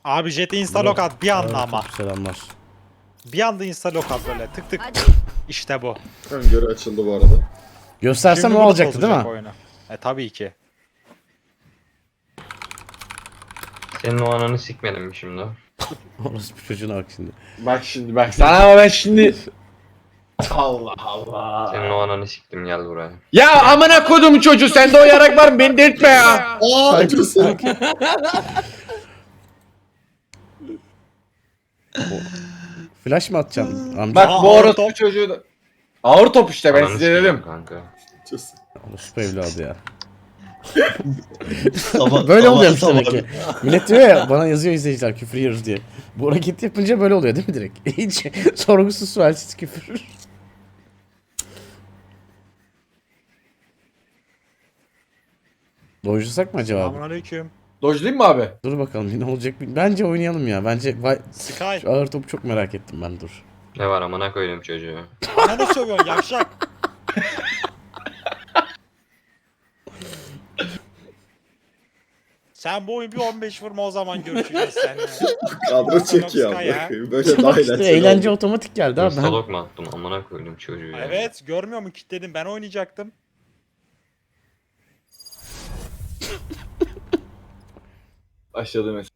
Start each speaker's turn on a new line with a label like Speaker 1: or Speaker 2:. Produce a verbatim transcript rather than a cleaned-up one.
Speaker 1: Abi Jet'e insta lock at bir anda ama.
Speaker 2: Aleyküm selamlar.
Speaker 1: Bir anda insta lock at böyle tık tık.
Speaker 3: Hadi.
Speaker 1: İşte bu.
Speaker 4: Öngörü açıldı bu arada.
Speaker 2: Göstersem
Speaker 1: Şimdi
Speaker 2: o
Speaker 1: bunu
Speaker 2: olacaktı değil mi?
Speaker 1: bozacak oyunu. E tabii ki.
Speaker 5: Senin o ananı sikmedim mi şimdi?
Speaker 2: Orası bir çocuğuna bak şimdi.
Speaker 6: Bak şimdi bak sana ama ben şimdi... Allah Allah.
Speaker 5: Senin o ananı siktim gel buraya.
Speaker 6: Ya amına koydum çocuğu sende o yarak var mı? Beni delirtme ya.
Speaker 4: Aa acısı.
Speaker 2: Flash mı atacaksın amca?
Speaker 6: Bak
Speaker 1: Aa,
Speaker 6: bu
Speaker 1: ağır
Speaker 6: orospu
Speaker 1: top.
Speaker 6: çocuğu da... Ağır top işte ben
Speaker 5: Ananı
Speaker 6: size
Speaker 5: sikeyim
Speaker 6: dedim.
Speaker 5: Kanka.
Speaker 4: Acısı.
Speaker 2: Orası evladı ya.
Speaker 7: Sabah-
Speaker 2: Böyle
Speaker 7: sabah-
Speaker 2: oluyormuş
Speaker 7: sabah-
Speaker 2: demek ki. Millet diyor ya bana yazıyor izleyiciler küfür yiyoruz diye. Bu hareketi yapınca böyle oluyor değil mi direkt? Hiç sorgusuz sualsiz küfür. Dojlasak mı acaba?
Speaker 1: Selamünaleyküm.
Speaker 6: Dojlayayım mı abi?
Speaker 2: Dur bakalım ne olacak. Bence oynayalım ya. Bence vay,
Speaker 1: Sky.
Speaker 2: şu ağır topu çok merak ettim ben dur.
Speaker 5: Ne var amına koydum çocuğu.
Speaker 1: Bana ne sövüyorsun yavşak? Sen bu oyun bir on beş vurma o zaman görüşeceğiz seninle.
Speaker 4: Kadro çekiyor
Speaker 1: Sky ya.
Speaker 4: abi. Böyle daha
Speaker 2: işte
Speaker 4: eğlenceli
Speaker 2: eğlence
Speaker 4: oldu.
Speaker 2: otomatik geldi abi. Ben...
Speaker 5: Instalok mu attım amına koydum çocuğu ya.
Speaker 1: Evet görmüyor mu kilitledim ben oynayacaktım.
Speaker 6: Başladı mesela.